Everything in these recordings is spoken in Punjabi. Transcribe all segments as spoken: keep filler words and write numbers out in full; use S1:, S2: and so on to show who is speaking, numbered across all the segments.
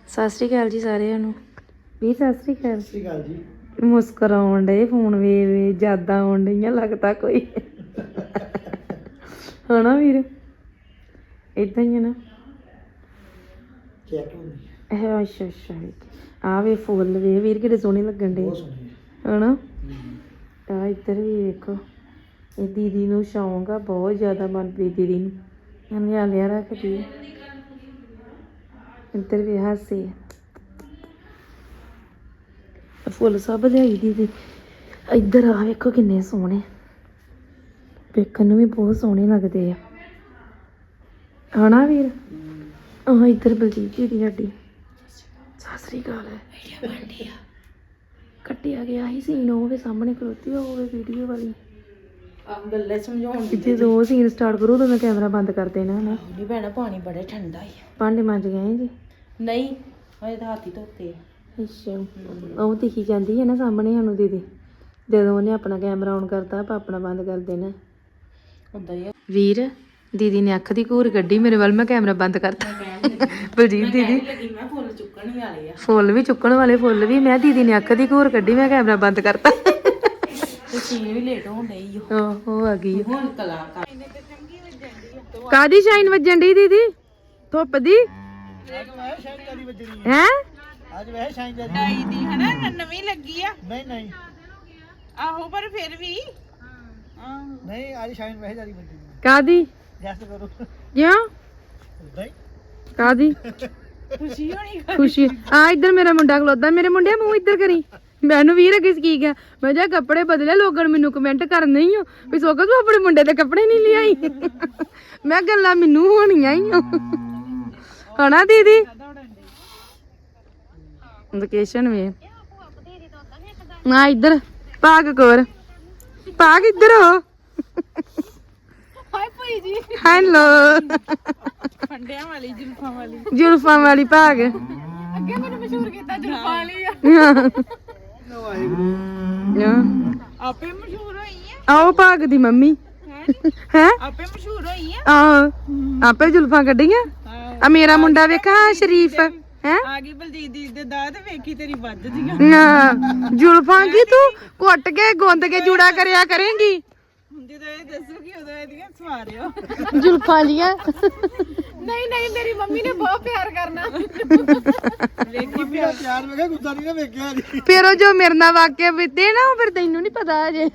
S1: ਸਤਿ ਸ਼੍ਰੀ ਅਕਾਲ ਜੀ ਸਾਰਿਆਂ ਨੂੰ। ਵੀਰ ਸਤਿ ਸ਼੍ਰੀ ਅਕਾਲ।
S2: ਸਤਿ ਸ਼੍ਰੀ ਅਕਾਲ ਜੀ।
S1: ਮੁਸਕਰਾਉਣ ਡੇ ਫੋਨ ਵੇ ਵੇ ਜਿਆਦਾ ਆਉਣ ਡਈਆਂ ਲੱਗਦਾ ਕੋਈ ਹਨਾ ਵੀਰ ਏਦਾਂ ਹੀ ਆ ਨਾ।
S2: ਚੈੱਕ ਹੁੰਦੀ
S1: ਇਹ ਅੱਛਾ ਅੱਛਾ ਆ ਵੇ ਫੁੱਲ ਵੇ ਵੀਰ ਕਿਹੜੇ ਸੋਹਣੇ ਲੱਗਣ ਡੇ ਹਨਾ। ਆ ਇੱਧਰ ਵੀ ਵੇਖੋ ਇਹ ਦੀਦੀ ਨੂੰ ਸ਼ੌਂਕ ਆ ਬਹੁਤ ਜ਼ਿਆਦਾ ਮਨਪ੍ਰੀਤ ਦੀਦੀ ਨੂੰ ਇਹਨੇ ਲਿਆ ਰੱਖਦੀ। ਇੱਧਰ ਵੀ ਹਾਸੇ ਫੁੱਲ ਸਭ ਲਿਆਈ ਦੀਦੀ। ਇੱਧਰ ਆ ਵੇਖੋ ਕਿੰਨੇ ਸੋਹਣੇ ਵੇਖਣ ਨੂੰ ਵੀ ਬਹੁਤ ਸੋਹਣੇ ਲੱਗਦੇ ਆ ਹਨਾ ਵੀਰ। ਆਹ ਇੱਧਰ ਬਲਜੀਤ ਦੀਦੀ ਸਾਡੀ ਸਤਿ ਸ੍ਰੀ ਅਕਾਲ ਕੱਟਿਆ ਗਿਆ ਸੀ ਸੀਨ ਉਹ ਵੀ ਸਾਹਮਣੇ ਖਲੋਤੀ ਹੋਵੇ ਵੀਡੀਓ ਵਾਲੀ
S3: ਗੱਲੇ ਸਮਝਾਉਣ ਦੀ
S1: ਜਦੋਂ ਸੀਨ ਸਟਾਰਟ ਕਰੂ ਤਾਂ ਮੈਂ ਕੈਮਰਾ ਬੰਦ ਕਰ ਦੇਣਾ ਹਨਾ।
S3: ਨਹੀਂ ਭੈਣਾ ਪਾਣੀ ਬੜਾ ਠੰਡਾ ਹੈ।
S1: ਭਾਂਡੇ ਮੰਜ ਗਏ ਜੀ?
S3: ਨਹੀਂ ਹਜੇ ਤਾਂ ਹੱਥ ਹੀ ਧੋਤੇ ਆ।
S1: ਅੱਛਾ ਉਹ ਦਿਖੀ ਜਾਂਦੀ ਹੈ ਨਾ ਸਾਹਮਣੇ ਸਾਨੂੰ ਦੀਦੀ ਜਦੋਂ ਉਹਨੇ ਆਪਣਾ ਕੈਮਰਾ ਔਨ ਕਰਤਾ ਆਪਾਂ ਆਪਣਾ ਬੰਦ ਕਰ ਦੇਣਾ
S3: ਹੁੰਦਾ ਹੀ ਆ।
S1: ਵੀਰ ਦੀਦੀ ਨੇ ਅੱਖ ਦੀ ਘੂਰ ਕੱਢੀ ਮੇਰੇ ਵੱਲ ਮੈਂ ਕੈਮਰਾ ਬੰਦ ਕਰਤਾ। ਬਲਜੀਤ ਦੀਦੀ
S3: ਲੱਗੀ ਮੈਂ ਫੁੱਲ ਚੁੱਕਣ ਹੀ ਵਾਲੇ ਆ।
S1: ਫੁੱਲ ਵੀ ਚੁੱਕਣ ਵਾਲੇ ਫੁੱਲ ਵੀ ਮੈਂ ਦੀਦੀ ਨੇ ਅੱਖ ਦੀ ਘੂਰ ਕੱਢੀ ਮੈਂ ਕੈਮਰਾ ਬੰਦ ਕਰਤਾ।
S3: ਤੇ ਸੀਨ ਵੀ ਲੇਟ ਹੋਣ ਡਈ ਓ।
S1: ਆਹ ਉਹ ਆ ਗਈ
S3: ਹੁਣ ਕਲਾਕਾਰ
S1: ਕਾਦੀ ਸ਼ਾਈਨ ਵੱਜਣ ਡਈ ਦੀਦੀ ਧੁੱਪ ਦੀ ਹੈ
S2: ਅੱਜ ਵੈਸੇ ਸ਼ਾਈਨ ਦਾ
S4: ਡਾਈ ਦੀ ਹਨਾ ਨਵੀਂ ਲੱਗੀ ਆ।
S2: ਨਹੀਂ ਨਹੀਂ
S4: ਆਹੋ ਪਰ ਫਿਰ ਵੀ
S2: ਨਹੀਂ ਅੱਜ ਸ਼ਾਈਨ ਵੈਸੇ ਜਾਰੀ ਵੱਜੀ
S1: ਕਾਦੀ
S2: ਗੈਸ ਕਰੋ
S1: ਕਿਉਂ
S2: ਨਹੀਂ
S1: ਕਾਦੀ
S4: ਖੁਸ਼ੀ ਹੋਣੀ
S1: ਖੁਸ਼ੀ ਆ ਇੱਧਰ ਮੇਰਾ ਮੁੰਡਾ ਖਲੋਦਾ ਮੇਰੇ ਮੁੰਡਿਆ ਮੂੰਹ ਇੱਧਰ ਕਰੀ ਮੈਨੂੰ ਵੀਰ ਅੱਗੇ ਕੀ ਗਿਆ ਮੈਂ ਜਾ ਕੱਪੜੇ ਬਦਲੇ ਲੋਕਾਂ ਨੇ ਮੈਨੂੰ ਕਮੈਂਟ ਕਰਨੇ ਹੀ ਹੋ ਵੀ ਸੋਕਾ ਤੂੰ ਆਪਣੇ ਮੁੰਡੇ ਦੇ ਕੱਪੜੇ ਨਹੀਂ ਲਿਆਈ। ਮੈਂ ਗੱਲਾਂ ਮੈਨੂੰ ਹੋਣੀਆਂ ਹੀ ਹਨਾ ਦੀਦੀ ਲੋਕੇਸ਼ਨ ਵੀ ਨਾ ਇੱਧਰ ਭਾਗ ਕੋਰ ਭਾਗ ਇੱਧਰ ਹੋ
S4: ਹਾਏ ਭਾਈ ਜੀ
S1: ਹੈਲੋ
S4: ਫੰਡਿਆਂ ਵਾਲੀ ਜੁਲਫਾਂ ਵਾਲੀ
S1: ਜ਼ੁਲਫਾਂ ਵਾਲੀ ਭਾਗ
S4: ਅੱਗੇ ਮੈਨੂੰ ਮਸ਼ਹੂਰ ਕੀਤਾ ਜੁਲਫਾਂ ਵਾਲੀ ਆ। ਆਪੇ ਮਸ਼ਹੂਰ ਹੋਈ ਆ।
S1: ਆਓ ਭਾਗ ਦੀ ਮੰਮੀ ਹੈ
S4: ਆਪੇ ਮਸ਼ਹੂਰ ਹੋਈ ਆ।
S1: ਆਹੋ ਆਪੇ ਜ਼ੁਲਫਾਂ ਕੱਢੀਆਂ ਆ ਮੇਰਾ ਮੁੰਡਾ ਵੇਖਾ ਸ਼ਰੀਫ ਹੈ
S4: ਆ ਗਈ ਬਲਜੀਤ ਦੀ ਦੇ ਦਾਦ ਵੇਖੀ ਤੇਰੀ ਵੱਜਦੀਆਂ
S1: ਨਾ ਜ਼ੁਲਫਾਂ ਕੀ ਤੂੰ ਕੁੱਟ ਕੇ ਗੁੰਦ ਕੇ ਜੂੜਾ ਕਰਿਆ ਕਰੇਂਗੀ
S4: ਜਦੋਂ ਇਹ ਦੱਸੂਗੀ ਉਦੋਂ ਇਹਦੀਆਂ ਸਵਾਰਿਓ।
S1: ਜ਼ੁਲਫਾਂ ਲੀਆਂ
S4: ਨਹੀਂ ਨਹੀਂ ਮੇਰੀ ਮੰਮੀ ਨੇ ਬਹੁਤ ਪਿਆਰ ਕਰਨਾ।
S2: ਵੇਖੀ ਮੇਰਾ ਪਿਆਰ ਵੇਖਿਆ ਗੁੱਸਾ ਨਹੀਂ ਨਾ ਵੇਖਿਆ ਜੀ।
S1: ਫਿਰ ਉਹ ਜੋ ਮੇਰੇ ਨਾਲ ਵਾਕਿਆ ਬੀਤੇ ਨਾ ਉਹ ਫਿਰ ਤੈਨੂੰ ਨਹੀਂ ਪਤਾ ਅਜੇ।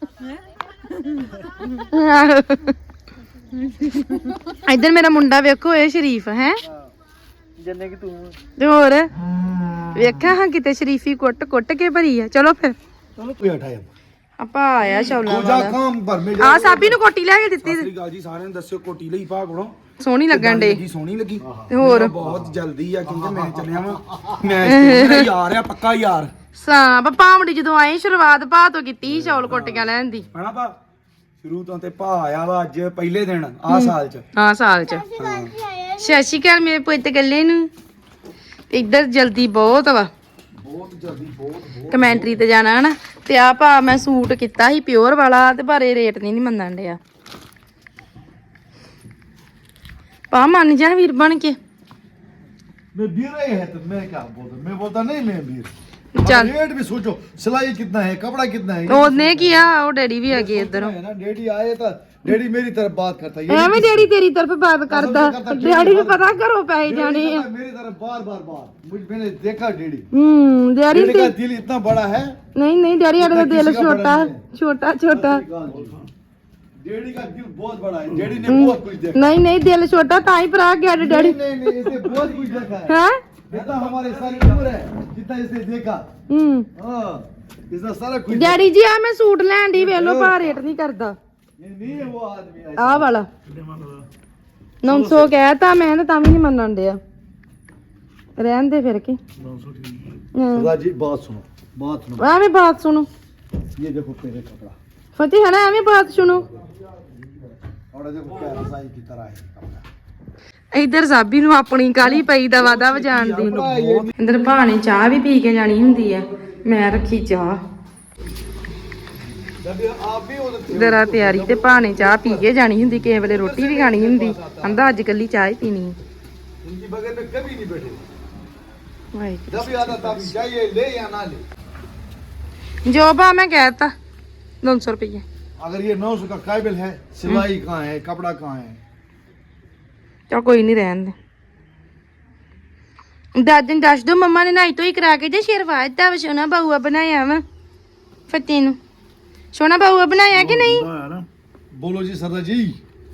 S1: ਇੱਧਰ ਮੇਰਾ ਮੁੰਡਾ ਵੇਖੋ ਇਹ ਸ਼ਰੀਫ ਹੈ
S2: ਜਿੰਨੇ ਕਿ ਤੂੰ
S1: ਤੇ ਹੋਰ ਵੇਖਿਆ ਹਾਂ ਕਿਤੇ ਸ਼ਰੀਫੀ ਕੁੱਟ ਕੁੱਟ ਕੇ ਭਰੀ ਆ। ਚਲੋ ਫਿਰ
S2: ਚਲੋ ਤੂੰ ਹਟਾਇਆ
S1: ਆਪਾਂ ਆਇਆ ਸ਼ੌਲਾ
S5: ਜਾ ਕੰਮ ਭਰ ਮੇ
S1: ਆ ਸਾਬੀ ਨੂੰ ਕੋਟੀ ਲੈ ਕੇ ਦਿੱਤੀ
S5: ਸਤਿ ਸ੍ਰੀ ਅਕਾਲ ਜੀ ਸਾਰਿਆਂ ਨੂੰ ਦੱਸਿਓ ਕੋਟੀ ਲਈ ਭਾਗ ਬਣੋ
S1: ਸੋਹਣੀ ਲੱਗਣ ਡੇ
S5: ਜੀ ਸੋਹਣੀ ਲੱਗੀ
S1: ਤੇ ਹੋਰ
S5: ਮੇਰਾ ਬਹੁਤ ਜਲਦੀ ਆ ਕਿਉਂਕਿ ਮੈਂ ਚੱਲਿਆ ਵਾਂ ਮੈਂ ਮੇਰਾ ਯਾਰ ਆ ਪੱਕਾ ਯਾਰ
S1: ਸਾਂ ਪਾਵੜੀ ਜਦੋਂ ਆਏ ਸ਼ੁਰੂਆਤ ਭਾ ਤੋਂ ਕੀਤੀ ਸੀ ਚੌਲ ਕੋਟੀਆਂ ਲੈਣ ਦੀ
S5: ਹਨਾ ਭਾ ਸ਼ੁਰੂ ਤੋਂ ਤੇ ਭਾ ਆਇਆ ਵਾ ਅੱਜ ਪਹਿਲੇ ਦਿਨ ਆ ਸਾਲ ਚ
S1: ਹਾਂ ਸਾਲ ਚ ਸਤਿ ਸ਼੍ਰੀ ਅਕਾਲ ਮੇਰੇ ਪੁੱਤ ਗੱਲੇ ਨੂੰ ਇੱਧਰ ਜਲਦੀ ਬਹੁਤ ਵਾ
S5: ਬਹੁਤ ਜਲਦੀ ਬਹੁਤ
S1: ਕਮੈਂਟਰੀ ਤੇ ਜਾਣਾ ਹਨਾ ਤੇ ਆ ਭਾ ਮੈਂ ਸੂਟ ਕੀਤਾ ਸੀ ਪਿਓਰ ਵਾਲਾ ਤੇ ਪਰ ਇਹ ਰੇਟ ਨਹੀਂ ਨਹੀਂ ਮੰਨਣ ਡਿਆ ਪਾ ਮੰਨ ਜਾ ਵੀਰ ਬਣ ਕੇ
S6: मैं बीर ही है तो मैं क्या बोलता मैं बोलता नहीं मैं बीर
S1: चल।
S6: रेट भी सोचो सिलाई कितना है कपड़ा कितना है
S1: ਉਹਨੇ ਕੀ ਆ ਉਹ ਡੈਡੀ ਵੀ ਹੈਗੇ ਇੱਧਰ
S6: है ना डैडी आए तो डैडी मेरी तरफ बात करता है ये
S1: ਐਵੇਂ ਡੈਡੀ ਤੇਰੀ ਤਰਫ ਬਾਤ ਕਰਦਾ ਡੈਡੀ ਨੂੰ ਪਤਾ ਘਰੋਂ ਪੈਸੇ
S6: डैडी
S1: ਜਾਣੇ ਆ
S6: कहता है, मेरी तरफ बार बार बात मुझ मैंने देखा डैडी
S1: ਹੂੰ ਡੈਡੀ
S6: डैडी का दिल इतना बड़ा है
S1: ਨਹੀਂ ਨਹੀਂ ਡੈਡੀ ਸਾਡਾ ਤਾਂ ਦਿਲ
S6: किसी का
S1: ਛੋਟਾ
S6: बड़ा नहीं
S1: ਛੋਟਾ ਛੋਟਾ
S6: डैडी का दिल बहुत बड़ा है डैडी ने बहुत कुछ देखा
S1: ਨਹੀਂ ਨਹੀਂ ਦਿਲ ਛੋਟਾ ਤਾਂ ਹੀ ਭਰਾ ਗਿਆ ਡੈਡੀ
S6: नहीं नहीं नहीं इसे बहुत कुछ देखा है
S1: ਹੈ
S6: जितना हमारे सारी उम्र है जितना इसे देखा
S1: ਹੂੰ
S6: हाँ इतना सारा कुछ
S1: ਡੈਡੀ ਜੀ ਆ ਮੈਂ ਸੂਟ ਲੈਣ ਦੀ ਵੇਖ ਲਓ ਭਾ ਰੇਟ ਨਹੀਂ ਕਰਦਾ
S6: ये नहीं है वो आदमी ऐसा।
S1: ਆਹ ਵਾਲਾ ਨੌ ਸੌ ਕਹਿਤਾ ਮੈਂ ਤਾਂ ਵੀ ਨਹੀਂ ਮੰਨਣ ਡਿਆ ਰਹਿਣ ਦੇ ਫਿਰ ਕੇ
S6: सरदार जी बात सुनो बात सुनो
S1: ਐਵੇਂ ਬਾਤ ਸੁਣੋ
S6: ये देखो पहले कपड़ा
S1: ਫਤਿਹ ਹੈ ਨਾ ਐਵੇਂ ਬਾਤ ਸੁਣੋ
S6: और देखो क्या रसाई की तरह है कपड़ा
S1: ਇੱਧਰ ਸਾਬੀ ਨੂੰ ਆਪਣੀ ਕਾਲੀ ਪਈ ਦਾ ਵਾਦਾ ਵਜਾਣ ਦੀ ਇੱਧਰ ਭਾਣੇ ਚਾਹ ਵੀ ਪੀ ਕੇ ਜਾਣੀ ਹੁੰਦੀ ਆ ਮੈਂ ਰੱਖੀ ਚਾਹ
S6: जब आप भी उधर
S1: ਦਰਾ ਤਿਆਰੀ ਤੇ ਭਾਣੇ ਚਾਹ ਪੀ ਕੇ ਜਾਣੀ ਹੁੰਦੀ ਕਿਸੇ ਵੇਲੇ ਰੋਟੀ ਵੀ ਖਾਣੀ ਹੁੰਦੀ ਕਹਿੰਦਾ ਅੱਜ ਕੱਲੀ ਚਾਹ ਹੀ ਪੀਣੀ
S6: इनकी बगल में कभी नहीं बैठे
S1: ਵਾਹਿਗੁਰੂ
S6: जब याद आता तब चाहिए ले या ना ले।
S1: ਜੋ ਭਾ ਮੈਂ ਕਹਿਤਾ ਦੋ ਸੌ ਰੁਪਏ
S6: अगर ये नौ सौ का काबिल है, सिलाई कहाँ है, कपड़ा कहाँ है?
S1: ਚਲ ਕੋਈ ਨਹੀਂ ਰਹਿਣ ਦੇ ਦਾਦੀ ਨੂੰ ਦੱਸ ਦੋ ਮੰਮਾ ਨੇ ਨਾਈ ਤੋਂ ਹੀ ਕਰਾ ਕੇ ਜੇ ਸ਼ੇਰਵਾ ਦਿੱਤਾ ਵਾ ਸੋਨਾ ਬਾਊਆ ਬਣਾਇਆ ਵਾ ਫਤਿਹ ਨੂੰ ਸੋਨਾ ਬਾਊਆ ਬਣਾਇਆ ਕਿ ਨਹੀਂ
S6: बोलो जी सरदार जी।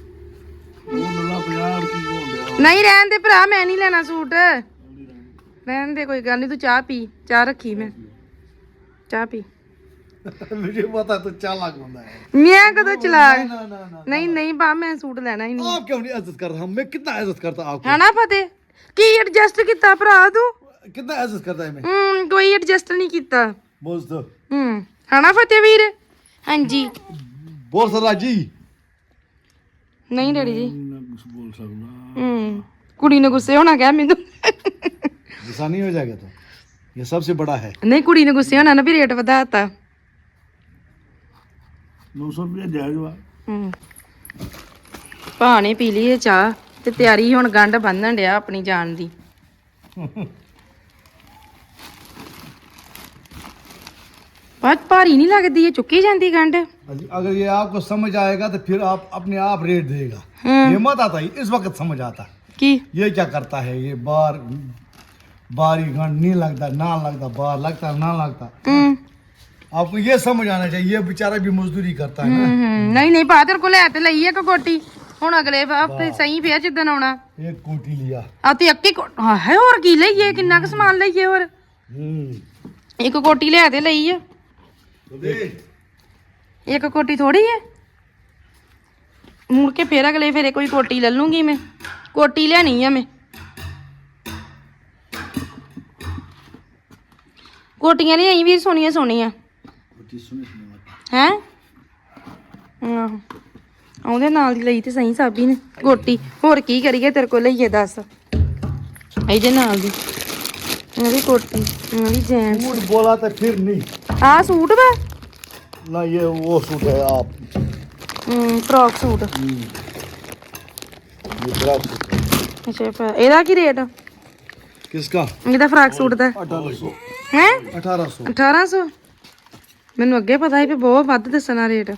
S1: ਨਹੀਂ ਰਹਿਣ ਦੇ ਭਰਾ ਮੈਂ ਨਹੀਂ ਲੈਣਾ ਸੂਟ ਰਹਿਣ ਦੇ ਕੋਈ ਗੱਲ ਨਹੀਂ ਤੂੰ ਚਾਹ ਪੀ ਚਾਹ ਰੱਖੀ ਮੈਂ ਚਾਹ ਪੀ
S6: मुझे पता तो चालाक बंदा है।
S1: ਮੈਂ ਕਦੋਂ ਚਲਾ
S6: ना ना ना
S1: ਨਹੀਂ ਨਹੀਂ ਬਾ ਮੈਂ ਸੂਟ ਲੈਣਾ ਹੀ ਨਹੀਂ
S6: आप क्यों नहीं इज्जत करता? हम मैं कितना इज्जत करता आपको?
S1: ਹਨਾ ਫਤਿਹ ਕੀ ਐਡਜਸਟ ਕੀਤਾ ਭਰਾ ਤੂੰ
S6: कितना इज्जत करता है मैं?
S1: ਹੂੰ ਕੋਈ ਐਡਜਸਟ ਨਹੀਂ ਕੀਤਾ
S6: बोल तो
S1: ਹੂੰ ਹਨਾ ਫਤਿਹ ਵੀਰ ਹਾਂਜੀ
S6: बोल सरदार जी।
S1: ਨਹੀਂ ਡੈਡੀ ਜੀ
S6: बोल सकता
S1: ਹੂੰ ਕੁੜੀ ਨੇ ਗੁੱਸੇ ਹੋਣਾ ਕਹਿ ਮੈਨੂੰ
S6: गुस्सा नहीं हो जाएगा तो ये सबसे बड़ा है।
S1: ਨਹੀਂ ਕੁੜੀ ਨੇ ਗੁੱਸੇ ਹੋਣਾ ਨਾ ਵੀ ਰੇਟ ਵਧਾਤਾ
S6: नौ सौ रुपया जायज हुआ।
S1: ਹੂੰ ਭਾ ਨੇ ਪੀ ਲਈ ਇਹ ਚਾਹ ਤੇ ਤਿਆਰੀ ਹੁਣ ਗੰਢ ਬੰਨਣ ਡਿਆ ਆਪਣੀ ਜਾਨ ਦੀ ਬਹੁਤ ਭਾਰੀ ਨਹੀਂ ਲੱਗਦੀ ਇਹ ਚੁੱਕੀ ਜਾਂਦੀ ਗੰਢ
S6: अगर ये आपको समझ आएगा तो फिर आप अपने आप रेट देगा।
S1: हम्म।
S6: ये मत आता इस वक्त समझ आता।
S1: ਕੀ
S6: ये क्या करता है ये बार बारी घंट नहीं लगता ना लगता बार लगता ना लगता।
S1: ਹੂੰ
S6: आपको ये समझ आना चाहिए ये बेचारा भी मजदूरी करता है ना।
S1: ਹੂੰ ਨਹੀਂ ਨਹੀਂ ਭਾ ਤੇਰੇ ਕੋਲ ਲੈ ਤੇ ਲਈ ਇੱਕ ਕੋਟੀ ਹੁਣ ਅਗਲੇ ਹਫਤੇ ਸਹੀ ਪਿਆ ਜਿੱਦਣ ਆਉਣਾ
S6: एक कोटी लिया।
S1: ਆ ਤੇ ਅੱਕੀ ਹਾਂ ਹੈ ਹੋਰ ਕੀ ਲਈਏ ਕਿੰਨਾ ਕੁ ਸਮਾਨ ਲਈਏ ਹੋਰ
S6: हम्म
S1: ਇੱਕ ਕੋਟੀ ਲੈ ਤੇ ਲਈ ਆ
S6: तो दे।
S1: ਇੱਕ ਕੋਟੀ ਥੋੜੀ ਹੈ ਮੁੜ ਕੇ ਫੇਰ ਅਗਲੇ ਫੇਰੇ ਕੋਈ ਕੋਟੀ ਲੈ ਲੂੰਗੀ ਮੈਂ ਕੋਟੀ ਲੈਣੀ ਆ ਮੈਂ ਕੋਟੀਆਂ ਲਿਆਈ ਵੀ ਸੋਹਣੀਆਂ ਸੋਹਣੀਆਂ ਹੈ ਆਹੋ ਉਹਦੇ ਨਾਲ ਦੀ ਲਈ ਤੇ ਸਹੀ ਸਾਬੀ ਨੇ ਕੋਟੀ ਹੋਰ ਕੀ ਕਰੀਏ ਤੇਰੇ ਕੋਲ ਲਈਏ ਦੱਸ ਇਹਦੇ ਨਾਲ ਦੀ ਉਹਦੀ ਕੋਟੀ ਉਹਦੀ ਜੈਂਸ
S6: झूठ बोला तो फिर नहीं।
S1: ਆਹ ਸੂਟ ਵਾ
S6: ना ये वो सूट है आप
S1: ਹਮ ਫਰੋਕ ਸੂਟ
S6: ये फ्रॉक सूट है।
S1: ਅੱਛਾ ਫਿਰ ਇਹਦਾ ਕੀ ਰੇਟ
S6: किसका?
S1: ਇਹਦਾ ਫਰਾਕ ਸੂਟ ਦਾ
S6: अठारह सौ।
S1: ਹੈ
S6: अठारह सौ।
S1: ਅਠਾਰਾਂ ਸੌ ਮੈਨੂੰ ਅੱਗੇ ਪਤਾ ਸੀ ਵੀ ਬਹੁਤ ਵੱਧ ਦੱਸਣਾ ਰੇਟ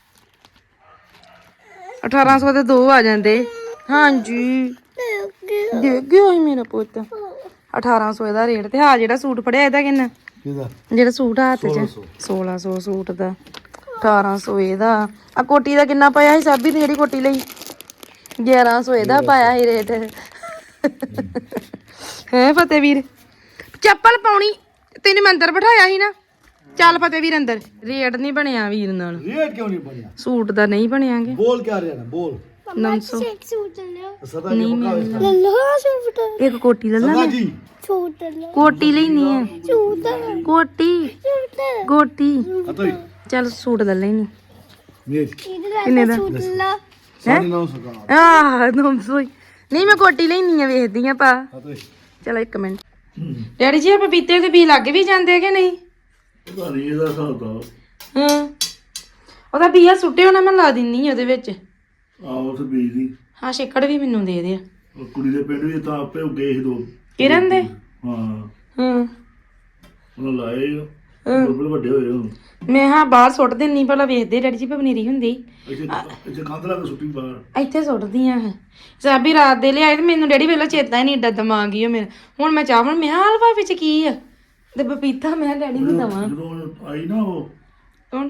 S1: ਅਠਾਰਾਂ ਸੌ ਦੇ ਦੋ ਆ ਜਾਂਦੇ ਹਾਂਜੀ ਦੇਖ ਗਿਆ ਸੀ ਮੇਰਾ ਪੁੱਤ ਅਠਾਰਾਂ ਸੌ ਇਹਦਾ ਰੇਟ ਤੇ ਹਾਂ ਜਿਹੜਾ ਸੂਟ ਫੜਿਆ ਇਹਦਾ ਕਿੰਨਾ
S6: किधर?
S1: ਜਿਹੜਾ ਸੂਟ ਆ ਹੱਥ 'ਚ ਸੋਲਾਂ ਸੌ ਸੂਟ ਦਾ ਅਠਾਰਾਂ ਸੌ ਇਹਦਾ ਆ ਕੋਟੀ ਦਾ ਕਿੰਨਾ ਪਾਇਆ ਸੀ ਸਾਬੀ ਨੇ ਜਿਹੜੀ ਕੋਟੀ ਲਈ ਗਿਆਰਾਂ ਸੌ ਇਹਦਾ ਪਾਇਆ ਸੀ ਰੇਟ ਹੈ ਫਤਿਹਵੀਰ ਚੱਪਲ ਪਾਉਣੀ ਤੈਨੂੰ ਮੈਂ ਅੰਦਰ ਬਿਠਾਇਆ ਸੀ ਨਾ ਚੱਲ ਫਤਿਹਵੀਰ ਅੰਦਰ ਰੇਟ ਨਹੀਂ ਬਣਿਆ ਵੀਰ ਨਾਲ
S6: रेट क्यों नहीं बढ़िया?
S1: ਸੂਟ ਦਾ ਨਹੀਂ ਬਣਿਆਗੇ
S6: बोल क्या रहा है बोल।
S1: ਨੌ ਸੌ
S6: सरदार जी पक्का इसका।
S1: ਇੱਕ ਕੋਟੀ ਲੈ ਲਾ
S6: सरदार जी
S1: ਕੋਟੀ ਲੈਣੀ ਹੈ ਕੋਟੀ ਕੋਟੀ
S6: अतोई
S1: ਚੱਲ ਸੂਟ ਲੈ ਲੈਣੀ
S6: मेज
S1: ਕਿੰਨੇ ਦਾ
S6: साढ़े नौ सौ का।
S1: ਆਹ ਨੌ ਸੌ ਹੀ। ਨਹੀਂ ਮੈਂ ਕੋਟੀ ਲੈਣੀ ਆ ਵੇਖਦੀ ਆ ਪਾ
S6: अतोई
S1: ਚਲੋ ਇੱਕ ਮਿੰਟ ਡੈਡੀ ਜੀ ਆਪਾਂ ਪਪੀਤੇ ਦੇ ਬੀ ਲੱਗ ਵੀ ਜਾਂਦੇ ਕਿ ਨਹੀਂ
S6: पता नहीं ਇਹਦਾ ਹਿਸਾਬ ਤਾਂ।
S1: ਹਾਂ ਉਹਦਾ ਬੀਆ ਸੁੱਟੇ ਹੋਣਾ ਮੈਂ ਲਾ ਦਿੰਨੀ ਆ ਉਹਦੇ ਵਿੱਚ
S6: ਆਹੋ ਤੇ ਬੀਜ ਦੀ।
S1: ਹਾਂ ਛਿੱਕੜ ਵੀ ਮੈਨੂੰ ਦੇ ਦੇ
S6: ਉਹ ਕੁੜੀ ਦੇ ਪਿੰਡ ਵੀ ਤਾਂ ਆਪੇ ਗਏ ਸੀ ਦੋ।
S1: ਕਿਰਨ ਦੇ
S6: ਹਾਂ
S1: ਹਾਂ
S6: ਉਹਨਾਂ ਲਾਏ ਬੁਲਬੁਲ ਵੱਡੇ ਹੋਏ ਹੁਣ।
S1: ਮੈਂ ਹਾਂ ਬਾਹਰ ਸੁੱਟ ਦਿੰਨੀ ਭਲਾ ਵੇਖਦੇ ਡੈਡੀ ਜੀ ਪਨੀਰੀ ਹੁੰਦੀ
S6: ਇੱਥੇ ਇੱਥੇ ਕੰਧ ਲਾ ਕੇ ਸੁੱਟੀ ਬਾਹਰ।
S1: ਇੱਥੇ ਸੁੱਟਦੀ ਆ ਸਾਬੀ ਰਾਤ ਦੇ ਲਿਆਏ ਤੇ ਮੈਨੂੰ ਡੈਡੀ ਵੇਲਾ ਚੇਤਾ ਹੀ ਨਹੀਂ ਏਡਾ ਦਿਮਾਗ ਹੀ ਉਹ ਮੇਰਾ ਹੁਣ ਮੈਂ ਚਾਵਣ ਮੈਂ ਕਿਹਾ ਹਲਵਾ ਵਿੱਚ ਕੀ ਆ ਤੇ ਪਪੀਤਾ ਮੈਂ ਡੈਡੀ ਨੂੰ ਦਵਾਂ
S6: ਜਦੋਂ ਆਈ ਨਾ ਉਹ
S1: ਕੌਣ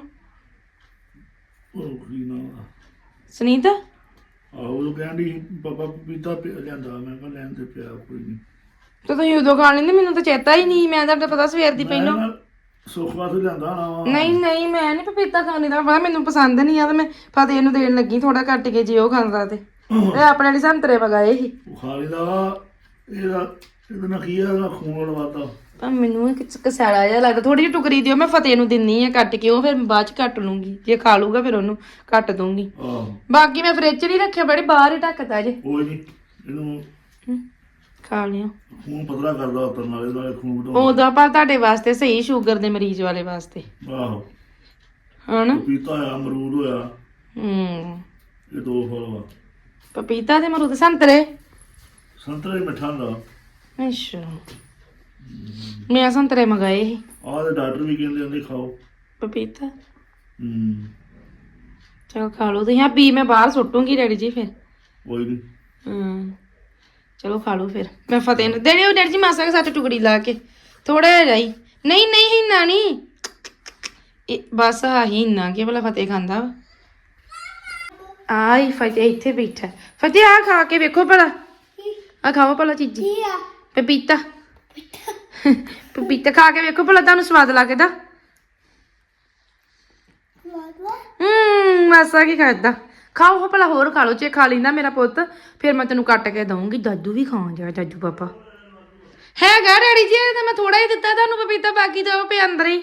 S6: ਉਹ ਕੀ ਨਾ
S1: ਸੁਨੀਤਾ
S6: ਆਹੋ ਉਹ ਕਹਿੰਦੀ ਪਾਪਾ ਪਪੀਤਾ ਪਿਆ ਲਿਆਂਦਾ ਮੈਂ ਕਿਹਾ ਲੈਣ ਤੇ ਪਿਆ ਕੋਈ ਨਹੀਂ।
S1: ਤੇ ਤੁਸੀਂ ਉਦੋਂ ਖਾ ਲੈਂਦੇ ਮੈਨੂੰ ਤਾਂ ਚੇਤਾ ਹੀ ਨਹੀਂ ਮੈਂ ਤਾਂ ਪਤਾ ਸਵੇਰ ਦੀ ਪਹਿਲਾਂ
S6: ਸੁੱਖ ਵਾਸਤੇ ਲਿਆਂਦਾ ਨਾ ਵਾ।
S1: ਨਹੀਂ ਨਹੀਂ ਮੈਂ ਨਹੀਂ ਪਪੀਤਾ ਖਾਣੀ ਦਾ ਪਤਾ ਮੈਨੂੰ ਪਸੰਦ ਨਹੀਂ ਆ ਤੇ ਮੈਂ ਫਤਿਹ ਨੂੰ ਦੇਣ ਲੱਗੀ ਥੋੜਾ ਕੱਟ ਕੇ ਜੇ ਉਹ ਖਾਂਦਾ ਤੇ ਇਹ ਆਪਣੇ ਲਈ ਸੰਤਰੇ ਮਗਾਏ ਸੀ
S6: ਉਹ ਖਾਲੀ ਦਾ ਵਾ, ਇਹਦਾ ਇਹਦੇ ਨਾਲ ਕੀ ਆ ਇਹਦਾ ਖੂਨ ਲਵਾਤਾ।
S1: ਪਰ ਮੈਨੂੰ ਇਹ ਕਿਸ ਕਸਾਲਾ ਜਿਹਾ ਲੱਗਦਾ ਥੋੜੀ ਜਿਹੀ ਟੁਕਰੀ ਦਿਓ ਮੈਂ ਫਤਿਹ ਨੂੰ ਦਿੰਨੀ ਆ ਕੱਟ ਕੇ ਉਹ ਫਿਰ ਬਾਅਦ ਚ ਕੱਟ ਲੂੰਗੀ ਜੇ ਖਾ ਲੂਗਾ ਫਿਰ ਉਹਨੂੰ ਕੱਟ ਦੂੰਗੀ
S6: ਆਹੋ
S1: ਬਾਕੀ ਮੈਂ ਫ੍ਰਿਜ ਚ ਨਹੀਂ ਰੱਖਿਆ ਬੜੇ ਬਾਹਰ ਹੀ ਢੱਕਤਾ ਜੇ
S6: ਕੋਈ ਨਹੀਂ ਇਹਨੂੰ
S1: ਖਾ ਲਿਆ
S6: ਖੂਨ ਪਤਲਾ ਕਰਦਾ ਉਤਰ ਨਾਲੇ ਨਾਲੇ ਖੂਨ ਵਧਾਉਂਦਾ।
S1: ਉਹਦਾ ਪਰ ਤੁਹਾਡੇ ਵਾਸਤੇ ਸਹੀ ਸ਼ੂਗਰ ਦੇ ਮਰੀਜ਼ ਵਾਲੇ ਵਾਸਤੇ
S6: ਆਹੋ
S1: ਹਨਾ
S6: ਪਪੀਤਾ ਹੋਇਆ ਅਮਰੂਦ ਹੋਇਆ
S1: ਹੂੰ
S6: ਇਹ ਦੋ ਫਲ ਵਾ।
S1: ਪਪੀਤਾ ਤੇ ਮਰੂਦ ਸੰਤਰੇ
S6: ਸੰਤਰੇ ਮਿੱਠਾ ਹੁੰਦਾ
S1: ਅੱਛਾ ਮੈਂ ਸੰਤਰੇ ਮੰਗਾਏ ਸੀ
S7: ਆਹ ਤੇ ਡਾਕਟਰ ਵੀ ਕਹਿੰਦੇ ਹੁੰਦੇ ਖਾਓ।
S1: ਪਪੀਤਾ
S7: ਹੂੰ
S1: ਚਲ ਖਾ ਲਓ ਤੁਸੀਂ। ਹਾਂ ਬੀ ਮੈਂ ਬਾਹਰ ਸੁੱਟੂਗੀ ਡੈਡੀ ਜੀ ਫਿਰ।
S7: ਕੋਈ ਨਹੀਂ।
S1: ਹਮ ਚਲੋ ਖਾ ਲਓ ਫਿਰ। ਮੈਂ ਫਤਿਹ ਨੂੰ ਦੇਣੇ ਡੈਡੀ ਜੀ ਮਾਸਾ ਕੇ ਸੱਚ ਟੁਕੜੀ ਲਾ ਕੇ ਥੋੜਾ ਜਿਹਾ ਜਾਈ। ਨਹੀਂ ਨਹੀਂ ਹਿੰਨਾ ਨਹੀਂ ਇਹ ਬਸ ਆਹੀ ਹਿੰਨਾ ਕਿ ਭਲਾ ਫਤਿਹ ਖਾਂਦਾ ਵਾ। ਆਈ ਫਤਿਹ ਇੱਥੇ ਬੈਠਾ। ਫਤਿਹ ਆ ਖਾ ਕੇ ਵੇਖੋ ਭਲਾ ਆ ਖਾਓ ਭਲਾ ਚੀਜ਼ੀ ਪਪੀਤਾ ਪਪੀਤਾ ਖਾ ਕੇ ਵੇਖੋ ਭਲਾ ਤੁਹਾਨੂੰ ਸਵਾਦ ਲੱਗਦਾ। ਹੂੰ ਮਾਸਾ ਕੀ ਖਾਦਾ ਖਾਓ ਹੋ ਭਲਾ ਹੋਰ ਖਾ ਲਓ ਜੇ ਖਾ ਲੈਂਦਾ ਮੇਰਾ ਪੁੱਤ ਫਿਰ ਮੈਂ ਤੈਨੂੰ ਕੱਟ ਕੇ ਦਊਂਗੀ। ਦਾਦੂ ਵੀ ਖਾਣ ਜਾ ਦਾਦੂ ਪਾਪਾ ਹੈਗਾ ਡੈਡੀ ਜੀ ਤਾਂ ਮੈਂ ਥੋੜਾ ਹੀ ਦਿੱਤਾ ਤੁਹਾਨੂੰ ਪਪੀਤਾ ਬਾਕੀ ਤਾਂ ਉਹ ਪਿਆ ਅੰਦਰ ਹੀ।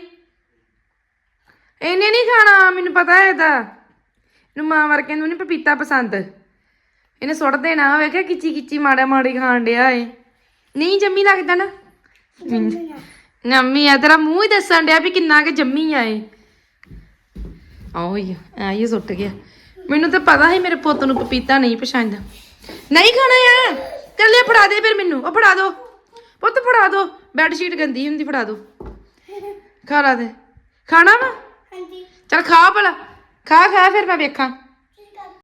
S1: ਇਹਨੇ ਨਹੀਂ ਖਾਣਾ ਮੈਨੂੰ ਪਤਾ ਹੈ ਇਹਦਾ। ਇਹਨੂੰ ਮਾਂ ਵਰਗੇ ਨੂੰ ਨਹੀਂ ਪਪੀਤਾ ਪਸੰਦ। ਇਹਨੇ ਸੁੱਟ ਦੇਣਾ ਵੇਖਿਆ ਕਿਚੀ ਕਿਚੀ ਮਾੜਾ ਮਾੜੀ ਖਾਣ ਡਿਆ ਏ। ਨਹੀਂ ਜੰਮੀ ਲੱਗਦਾ ਨਾ ਨੰਮੀ ਆ ਤੇਰਾ ਮੂੰਹ ਹੀ ਦੱਸਣ ਡਿਆ ਵੀ ਕਿੰਨਾ ਕਿ ਜੰਮੀ ਆ ਇਹ। ਆਓ ਹੀ ਆ ਇਹ ਸੁੱਟ ਗਿਆ। ਮੈਨੂੰ ਤਾਂ ਪਤਾ ਸੀ ਮੇਰੇ ਪੁੱਤ ਨੂੰ ਪਪੀਤਾ ਨਹੀਂ ਪਸੰਦ। ਨਹੀਂ ਖਾਣਾ ਆ ਚੱਲੇ ਫੜਾ ਦੇ ਫਿਰ ਮੈਨੂੰ। ਉਹ ਫੜਾ ਦੋ ਪੁੱਤ ਫੜਾ ਦੋ। ਬੈੱਡ ਸ਼ੀਟ ਗੰਦੀ ਹੁੰਦੀ ਫੜਾ ਦੋ। ਖਾ ਲਾ ਦੇ ਖਾਣਾ ਵਾ ਚੱਲ ਖਾ ਭਲਾ ਖਾ ਖਾ ਫਿਰ ਮੈਂ ਵੇਖਾਂ।